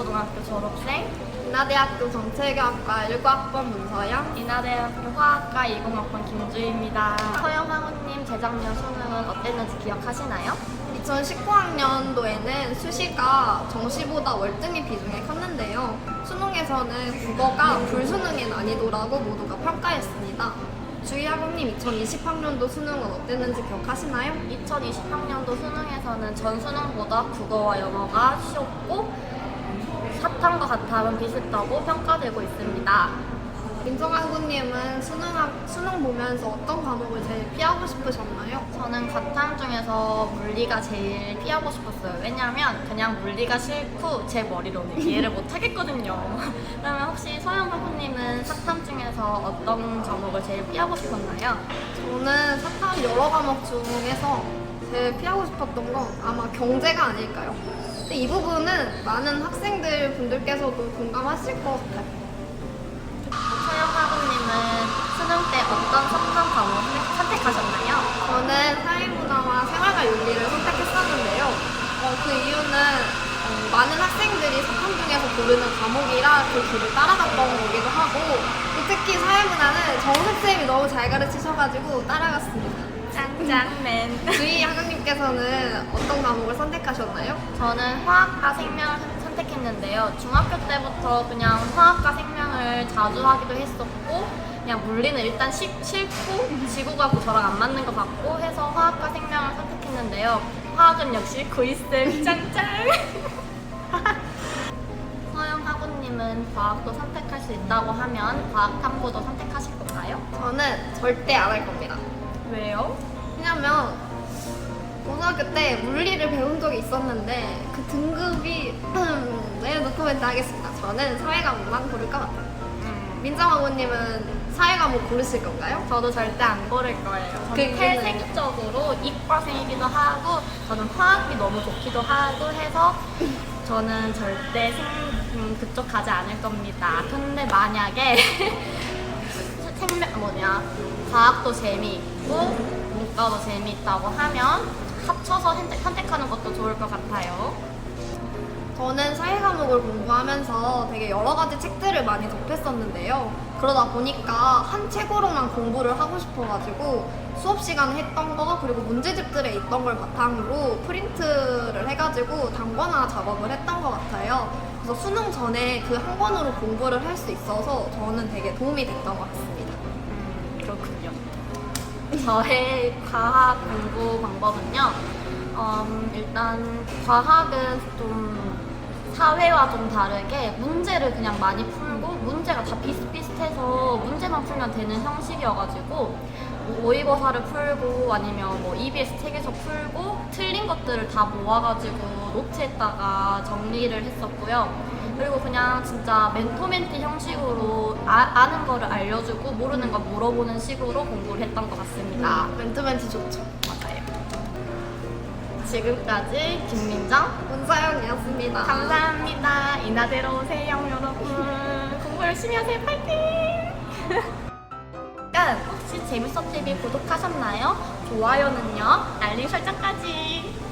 고등학교 졸업생, 인하대학교 정책학과 19학번 문서영, 인하대학교 화학과 20학번 김주희입니다. 서영상우님 재작년 수능은 어땠는지 기억하시나요? 2019학년도에는 수시가 정시보다 월등히 비중이 컸는데요. 수능에서는 국어가 불수능의 난이도라고 모두가 평가했습니다. 주희학우님 2020학년도 수능은 어땠는지 기억하시나요? 2020학년도 수능에서는 전 수능보다 국어와 영어가 쉬웠고 사탐과 가탐은 비슷하고 평가되고 있습니다. 민정학우님은 수능 보면서 어떤 과목을 제일 피하고 싶으셨나요? 저는 가탐 중에서 물리가 제일 피하고 싶었어요. 왜냐면 그냥 물리가 싫고 제 머리로는 이해를 못 하겠거든요. 그러면 혹시 서영 학우님은 사탐 중에서 어떤 과목을 제일 피하고 싶었나요? 저는 사탐 여러 과목 중에서 제일 피하고 싶었던 건 아마 경제가 아닐까요? 근데 이 부분은 많은 학생들 분들께서도 공감하실 것 같아요. 서영 학우님은 수능 때 어떤 사탐 과목을 선택하셨나요? 저는 사회문화와 생활과 윤리를 선택했었는데요. 그 이유는 많은 학생들이 사탐 중에서 고르는 과목이라 그 길을 따라갔던 거기도 하고 또 특히 사회문화는 정선생님이 너무 잘 가르치셔가지고 따라갔습니다. 짱짱맨. 주희 학우님께서는 어떤 과목을 선택하셨나요? 저는 화학과 생명을 선택했는데요. 중학교 때부터 그냥 화학과 생명을 자주 하기도 했었고 그냥 물리는 일단 싫고 지구가 저랑 안 맞는 것 같고 해서 화학과 생명을 선택했는데요. 화학은 역시 구이쌤 짱짱. 서영 학우님은 과학도 선택할 수 있다고 하면 과학탐구도 선택하실 건가요? 저는 절대 안 할 겁니다. 왜요? 왜냐면 고등학교 때 물리를 배운 적이 있었는데 그 등급이 네, 노코멘트 하겠습니다. 저는 사회과목만 고를 것 같아요. 민정학우님은 사회과목 고르실 건가요? 저도 절대 안 고를 거예요. 그 저는 이유는? 태생적으로 이과생이기도 하고 저는 화학이 너무 좋기도 하고 해서 저는 절대 그쪽 가지 않을 겁니다. 근데 만약에 과학도 재미있고 문과도 재미있다고 하면 합쳐서 선택하는 것도 좋을 것 같아요. 저는 사회과목을 공부하면서 되게 여러 가지 책들을 많이 접했었는데요. 그러다 보니까 한 책으로만 공부를 하고 싶어가지고 수업 시간에 했던 거 그리고 문제집들에 있던 걸 바탕으로 프린트를 해가지고 단권화 작업을 했던 것 같아요. 그래서 수능 전에 그 한 권으로 공부를 할 수 있어서 저는 되게 도움이 됐던 것 같습니다. 그렇군요. 저의 과학 공부 방법은요. 일단 과학은 좀 사회와 좀 다르게 문제를 그냥 많이 풀고 문제가 다 비슷비슷해서 문제만 풀면 되는 형식이어가지고 뭐 모의고사를 풀고 아니면 뭐 EBS 책에서 풀고 틀린 것들을 다 모아가지고 노트에다가 정리를 했었고요. 그리고 그냥 진짜 멘토멘티 형식으로 아는 거를 알려주고 모르는 거 물어보는 식으로 공부를 했던 것 같습니다. 멘토멘티 좋죠. 맞아요. 지금까지 김민정 문서영이었습니다. 감사합니다. 인하대로 오세요 여러분. 공부 열심히 하세요. 파이팅! 혹시 재밌었TV 구독하셨나요? 좋아요는요? 알림 설정까지.